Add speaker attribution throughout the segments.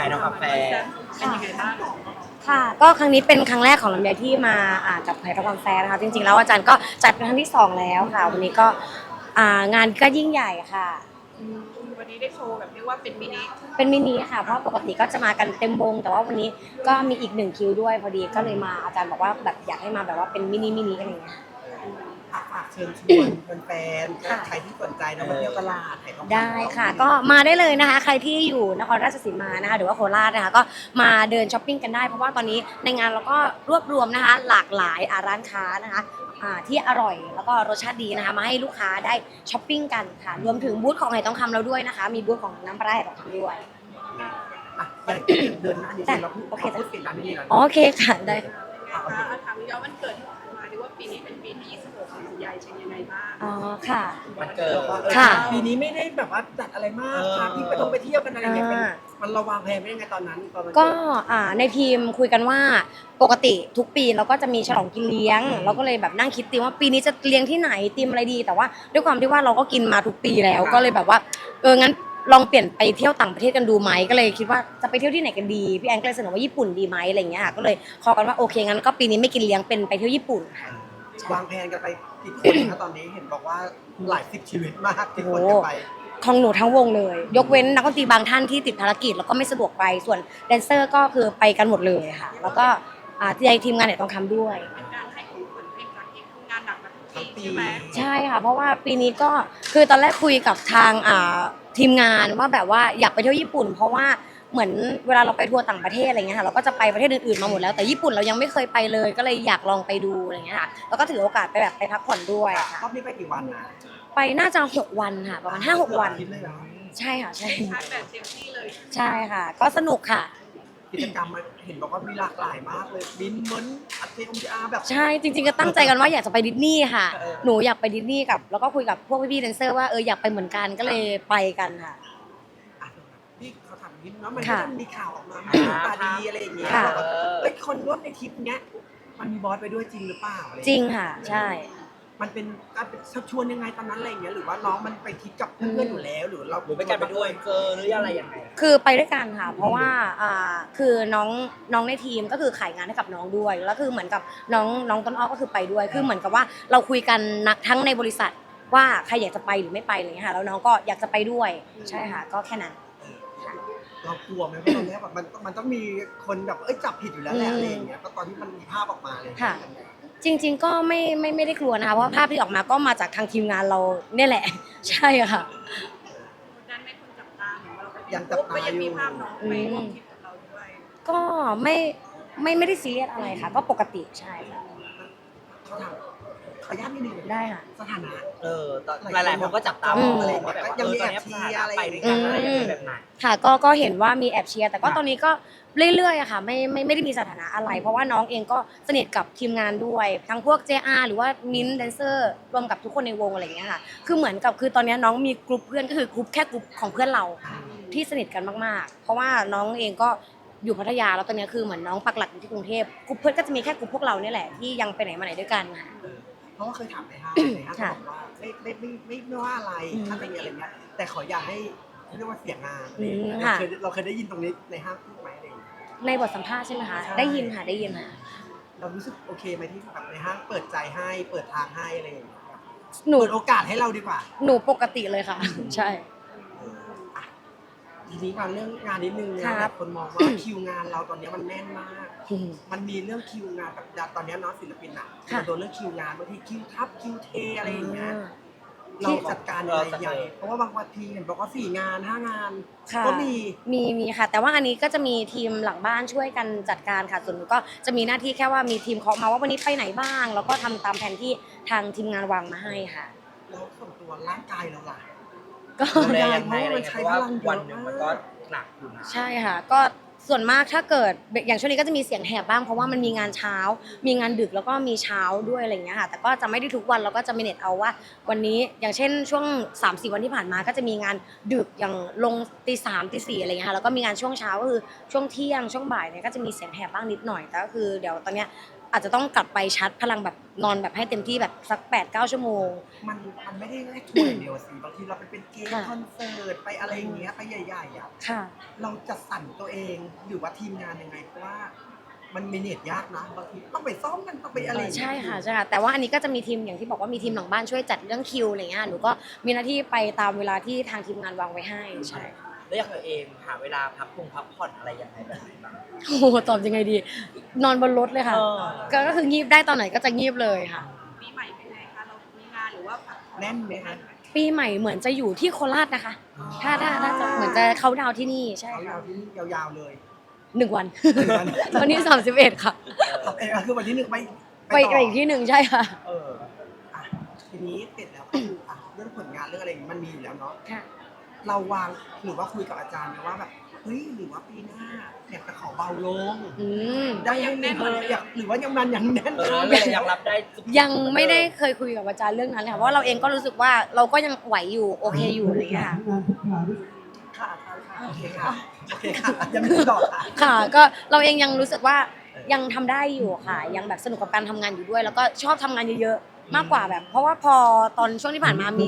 Speaker 1: น้องกาแฟ
Speaker 2: เป็นยังไงบ้าง
Speaker 3: ค่ะก็ครั้งนี้เป็นครั้งแรกของลำไยที่มากับไผ่ทองคำแฟร์นะคะจริงๆแล้วอาจารย์ก็จัดเป็นครั้งที่2แล้วค่ะวันนี้ก็งานก็ยิ่งใหญ่ค่ะ
Speaker 2: วันนี้ได้โชว์แบบเรียกว่าเป็นมิ
Speaker 3: นิค่ะเพราะปกติก็จะมากันเต็มวงแต่ว่าวันนี้ก็มีอีก1คิวด้วยพอดีก็เลยมาอาจารย์บอกว่าแบบอยากให้มาแบบว่าเป็นมินิอะไรอย่างเงี้ย
Speaker 1: ฝากเชิญชวนแฟนๆใครที่สนใจนะมาเที่ยวตลาด
Speaker 3: ได้ค่ะก็มาได้เลยนะคะใครที่อยู่นครราชสีมานะคะหรือว่าโคราชนะคะก็มาเดินช้อปปิ้งกันได้เพราะว่าตอนนี้ในงานเราก็รวบรวมนะคะหลากหลายร้านค้านะคะที่อร่อยแล้วก็รสชาติดีนะคะมาให้ลูกค้าได้ช้อปปิ้งกันค่ะรวมถึงบูธของไหทองคำเราด้วยนะคะมีบูธของน้ำปลาไหลทองคำด้วย
Speaker 1: เดินหน้านี้เราพูดปิดร้านนี้ก่อน
Speaker 3: โอเคค่ะได้
Speaker 2: ถามย้อนวันเกิดที่ผ่านมาดีว่าปีนี้เป็นปีที่26ของยายเป็นยังไงบ้าง
Speaker 3: อ๋อค่ะ
Speaker 1: มันเกิด
Speaker 3: ค่ะ
Speaker 1: ปีนี้ไม่ได้แบบว่าจัดอะไรมากพาพี่ไปเที่ยวกันอะไรอย่างเงี้ยมันระวางแผนไม่ยังไงตอนนั้น
Speaker 3: ก็ในทีมคุยกันว่าปกติทุกปีเราก็จะมีฉลองกินเลี้ยงเราก็เลยแบบนั่งคิดธีมว่าปีนี้จะเลี้ยงที่ไหนธีมอะไรดีแต่ว่าด้วยความที่ว่าเราก็กินมาทุกปีแล้วก็เลยแบบว่างั้นลองเปลี่ยนไปเที่ยวต่างประเทศกันดูไหมก็เลยคิดว่าจะไปเที่ยวที่ไหนกันดีพี่แอนก็เลยเสนอว่าญี่ปุ่นดีไหมอะไรอย่างเงี้ยค่ะก็เลยขอกันว่าโอเคงั้นก็ปีนี้ไม่กินเลี้ยงเป็นไปเที่ยวญี่ปุ่นค่ะ
Speaker 1: วางแผนกันไปกี่คนคะตอนนี้เห็นบอกว่าหลาย10ชีวิตมากที่คนจะไป
Speaker 3: ของหนูทั้งวงเลยยกเว้นนักดนตรีบางท่านที่ติดภารกิจแล้วก็ไม่สะดวกไปส่วนแดนเซอร์ก็คือไปกันหมดเลยค่ะแล้วก็ทีมงานเนี่ยต้องทำด้วย
Speaker 2: เป็นการให้ของขวัญให้กับเองทำงานหนักมาทุกปีใช่ไหม
Speaker 3: ใช่ค่ะเพราะว่าปีนี้ก็คือตอนแรกคุยกับทางทีมงานว่าแบบว่าอยากไปเที่ยวญี่ปุ่นเพราะว่าเหมือนเวลาเราไปทัวร์ต่างประเทศอะไรเงี้ยค่ะเราก็จะไปประเทศอื่นๆมาหมดแล้วแต่ญี่ปุ่นเรายังไม่เคยไปเลยก็เลยอยากลองไปดูอะไรเงี้ยค่ะแล้วก็ถือโอกาสไปแบบไปพักผ่อนด้วย
Speaker 1: รอบนี้ไปกี่วันนะ
Speaker 3: ไปน่าจะ6 วันค่ะประมาณ5-6 วันใช่ค่ะใช่
Speaker 2: แบบเต็มที่เลย
Speaker 3: ใช่ค่ะก็สนุกค่ะ
Speaker 1: กิจกรรมเห็นบอกว่ามีหลากหลายมากเลยบินเหมือนอัดเทมอาแบบ
Speaker 3: ใช่จริงๆก็ตั้งใจกันว่าอยากจะไปดิสนีย์ค่ะหนูอยากไปดิสนีย์กับแล้วก็คุยกับพวกพี่ๆแดนเซอร์ว่าอยากไปเหมือนกันก็เลยไปกันค่ะ
Speaker 1: พี่เขาถามนิดเนาะมันก็มีข่าวออกมาตาดีอะไรอย่างเงี้ยคนร่วมในทริปเนี้ยมันมีบอสไปด้วยจริงหรือเปล่า
Speaker 3: จริงค่ะใช่
Speaker 1: มันเป็นการชักชวนยังไงตอนนั้นอะไรอย่างเงี้ยหรือว่าน้องมันไปทริปกับเพื่อนอยู่แล้วหรือเราไปกันไปด้วยหรืออะไรยังไง
Speaker 3: คือไปด้วยกันค่ะเพราะว่าคือน้องในทีมก็คือขายงานให้กับน้องด้วยแล้วคือเหมือนกับน้องต้นอ้อก็คือไปด้วยคือเหมือนกับว่าเราคุยกันทั้งในบริษัทว่าใครอยากจะไปหรือไม่ไปอะไรเงี้ยค่ะแล้วน้องก็อยากจะไปด้วยใช่ค่ะก็แค่นั้น
Speaker 1: เรากลัวไหมว่าตอนนี้แบบมันต้องมีคนแบบจับผิดอยู่แล้วแหละอะไรอย่างเงี้ยตอนที่มันมีภาพออกมาเลย
Speaker 3: ค่ะจริงๆก็ไม่ได้กลัวนะคะเพราะภาพที่ออกมาก็มาจากทางทีมงานเราเนี่ยแหละใช่ค่ะ
Speaker 2: นั้นไม่คนจับตาเหมือนเรา
Speaker 1: ยังจับตา
Speaker 2: อยู่มีภาพน้องไปร่วมทริปกับเราด้วย
Speaker 3: ก็ไม่ได้ซีเรียสอะไรค่ะก็ปกติใช่ค่ะ
Speaker 1: เขาถามขออนุญาตนิดนึง
Speaker 3: ได้ค่ะ
Speaker 1: สถานะ
Speaker 4: หลายๆคนก็จับตามองอะไรแบบว่า
Speaker 1: ยังมีแอบเชียร์อะไร
Speaker 4: ไปด้วยกันอะไรแบบไหน
Speaker 3: ค่ะก็เห็นว่ามีแอบเชียร์แต่ก็ตอนนี้ก็เรื่อยๆอะค่ะไม่ได้มีสถานะอะไรเพราะว่าน้องเองก็สนิทกับทีมงานด้วยทั้งพวก JR หรือว่ามิ้นท์แดนเซอร์รวมกับทุกคนในวงอะไรอย่างเงี้ยค่ะคือเหมือนกับคือตอนนี้น้องมีกลุ่มเพื่อนก็คือกลุ่มแค่กลุ่มของเพื่อนเราที่สนิทกันมากๆเพราะว่าน้องเองก็อยู่พัทยาแล้วตอนนี้คือเหมือนน้องปักหลักอยู่ที่กรุงเทพกลุ่มเพื่อนก็จะมีแค่กลุ่มพวกเราเนี่ยแหละที่ยังไปไหนมาไหนด้วยกันค่ะ
Speaker 1: เพราะว่าเคยถามในห้างบอกว่าไม่ว่าอะไรถ้าจะมีอะไรเงี้ยแต่ขออย่าให้เรียกว่าเสียงานเราเคยได้ยินตรงนี้ในห้างพูดไหมอะไร
Speaker 3: ในบทสัมภาษณ์ใช่ไหมคะได้ยินค่ะ
Speaker 1: เรารู้สึกโอเคไหมที่แบบในห้างเปิดใจให้เปิดทางให้อะไรอย่างเงี้ย
Speaker 3: หนู
Speaker 1: เปิดโอกาสให้เราดีกว่า
Speaker 3: หนูปกติเลยค่ะใช่
Speaker 1: ทีนี้การเรื่องงานนิดนึงนะคนมองว่าคิวงานเราตอนนี้มันแน่นมากมันมีเรื่องคิวงานแบบตอนนี้เนาะศิลปินอ่ะโดนเรื่องคิวงานบางทีคิวทับคิวเทอะไรอย่างเงี้ยเราจัดการอะไรใหญ่เพราะว่าบางวันทีเห็นบอกว่า4 งาน5 งานก็
Speaker 3: มีค่ะแต่ว่าอันนี้ก็จะมีทีมหลังบ้านช่วยกันจัดการค่ะส่วนหนูก็จะมีหน้าที่แค่ว่ามีทีมเคาะมาว่าวันนี้ไปไหนบ้างแล้วก็ทำตามแผนที่ทางทีมงานวางมาให้ค่ะ
Speaker 1: แล้วส่วนตัวร่างกายเราล่ะ
Speaker 4: ก็ได้เพราะมันใช้พลังวันนึงมันก็หนักอยู่นะ
Speaker 3: ใช่ค่ะก็ส่วนมากถ้าเกิดอย่างช่วงนี้ก็จะมีเสียงแหบบ้างเพราะว่ามันมีงานเช้ามีงานดึกแล้วก็มีเช้าด้วยอะไรอย่างเงี้ยค่ะแต่ก็จะไม่ได้ทุกวันเราก็จะมีเน็ตเอาว่าวันนี้อย่างเช่นช่วง 3-4 วันที่ผ่านมาก็จะมีงานดึกอย่างลงตี 3 ตี 4อะไรเงี้ยค่ะแล้วก็มีงานช่วงเช้าก็คือช่วงเที่ยงช่วงบ่ายเนี่ยก็จะมีเสียงแหบบ้างนิดหน่อยแต่ก็คือเดี๋ยวตอนเนี้ยอาจจะต้องกลับไปชาร์จพลังแบบนอนแบบให้เต็มที่แบบสัก 8-9 ชั่วโมง
Speaker 1: มันไม่ได้แค่ทัวร์อย่างเดียวสิบางทีเราไปเป็นเกม
Speaker 3: ค่ะ
Speaker 1: คอนเสิร์ตไปอะไรอย่างเงี้ยไปใหญ่ๆอ่ะ
Speaker 3: ค่ะ
Speaker 1: เราจะสั่นตัวเองหรือว่าทีมงานยังไงเพราะว่ามันเมเนจยากนะบางทีต้องไปซ้อมกันต้องไปอะไรอย่างเงี้ย
Speaker 3: ใช่ค่ะใช่ค่ะแต่ว่าอันนี้ก็จะมีทีมอย่างที่บอกว่ามีทีมหลังบ้านช่วยจัดเรื่องคิวอะไรเงี้ยหนูก็มีหน้าที่ไปตามเวลาที่ทางทีมงานวางไว้ให้ใช่
Speaker 4: แล้วอย่างตัวเองหาเวลาพักผ่อนอะไรยังไงแบบไหนบ้าง
Speaker 3: โอ้โหตอบยังไงดี นอนบนรถเลยค่ะ
Speaker 4: เออ
Speaker 3: ก็คืองีบได้ตอนไหนก็จะงีบเลยค่ะ
Speaker 2: ปีใหม่เป็นไงคะเรามีงานหรือว่าพักผ่อ
Speaker 1: แน่นไหมคะ
Speaker 3: ปีใหม่เหมือนจะอยู่ที่โคราชนะคะ ถ้าจะเหมือนจะเขาดาวน์ที่นี่ใช่
Speaker 1: เอา
Speaker 3: ค่ะ
Speaker 1: ยาวที่นี่ยาวๆเลย
Speaker 3: 1 วัน
Speaker 1: วัน
Speaker 3: วันที่31ค่ะ
Speaker 1: คือวันที่หนึ่งไป
Speaker 3: ไป
Speaker 1: ต่อ
Speaker 3: อีกที่หนึ่งใช่ค่ะ
Speaker 1: เอออ่ะทีนี้เสร็จแล้วก็คืออ่ะเรื่องผลงานเรื่องอะไรอย่างงี้มันมีอยู่แล้วเนาะ
Speaker 3: ค่ะ
Speaker 1: เราวางหรือว่าคุยกับอาจารย์ไหมว่าแบบเฮ้ยหรือว่าปีหน้าอยากจะขอเบาลง
Speaker 3: อืม
Speaker 1: ได้ยังแน่นอยากหรือว่ายังมันยังแน่น
Speaker 4: เออ
Speaker 1: ค้าง
Speaker 4: ยังรับได้ทุก
Speaker 3: ยังไม่ได้เคยคุยกับอาจารย์เรื่องนั้นเลยค่ะเพราะว่าเราเองก็รู้สึกว่าเราก็ยังไหวอยู่โอเคอยู่อะไรอย่างเงี้ยค่ะ
Speaker 1: ค่ะค่ะโอเคค่ะโอเคค่ะยังมีต่อค่ะ
Speaker 3: ค่ะก็เราเองยังรู้สึกว่ายังทำได้อยู่ค่ะ ยังแบบสนุกกับการทำงานอยู่ด้วย แล้วก็ชอบทำงานเยอะๆมากกว่าแบบ เพราะว่าพอตอนช่วงที่ผ่านมามี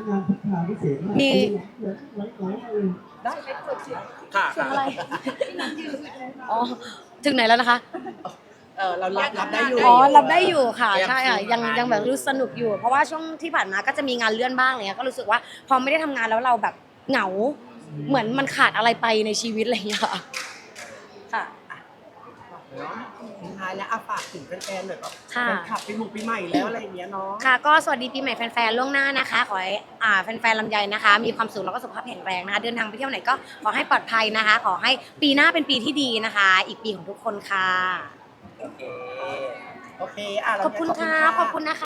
Speaker 1: ได้ค่ะ
Speaker 4: ค่ะ
Speaker 3: เสียงอะไรอ๋อถึงไหนแล้วนะคะ
Speaker 1: เรารับได้อยู่
Speaker 3: อ๋อรับได้อยู่ค่ะใช่ค่ะยังแบบรู้สนุกอยู่ เพราะว่าช่วงที่ผ่านมาก็จะมีงานเลื่อนบ้างอะไรเงี้ยก็รู้สึกว่าพอไม่ได้ทำงานแล้วเราแบบเหงา เหมือนมันขาดอะไรไปในชีวิตอะไรอย่างเงี้ยค่ะค่ะ
Speaker 1: เนาะสุดท้ายแล้วฝากถึงแฟนๆหน่อยแบบ
Speaker 3: ค่ะ
Speaker 1: แฟนคลับปีใหม่แล้วอะไรอย่างเงี้ยเนาะ
Speaker 3: ค่ะก็สวัสดีปีใหม่แฟนๆล่วงหน้านะคะ ขอให้แฟนๆลำไยนะคะ มีความสุขแล้วก็สุขภาพแข็งแรงนะคะเดินทางไปเที่ยวไหนก็ขอให้ปลอดภัยนะคะ ขอให้ปีหน้าเป็นปีที่ดีนะคะ อีกปีของทุกคนค่ะ
Speaker 4: โอเค
Speaker 1: โอเคเรา
Speaker 3: ขอบคุณค่ะขอบคุณนะคะ